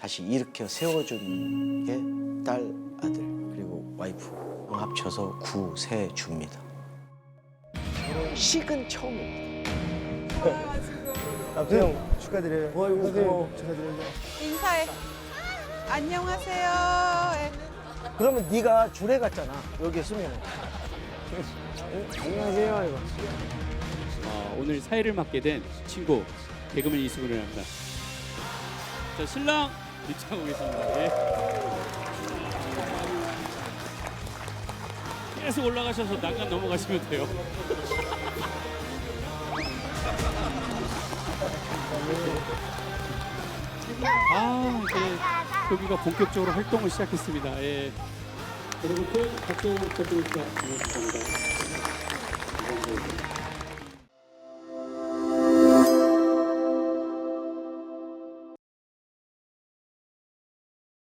다시 일으켜 세워준 게 딸, 아들 그리고 와이프 합쳐서 9, 세 줍니다. 결혼식은 처음입니다. 남편 축하드려요. 어이구, 축하드려요. 인사해. 안녕하세요. 예. 그러면 네가 주례 같잖아. 여기 쓰면. 안녕하세요. 이거. 오늘 사회를 맡게 된 친구 개그맨 이수근을 합니다. 자, 신랑 입장하고 계십니다. 예. 계속 올라가셔서 난간 넘어가시면 돼요. 이제 여기가 본격적으로 활동을 시작했습니다. 예. 여러분들 박수 부탁드립니다. 감사합니다.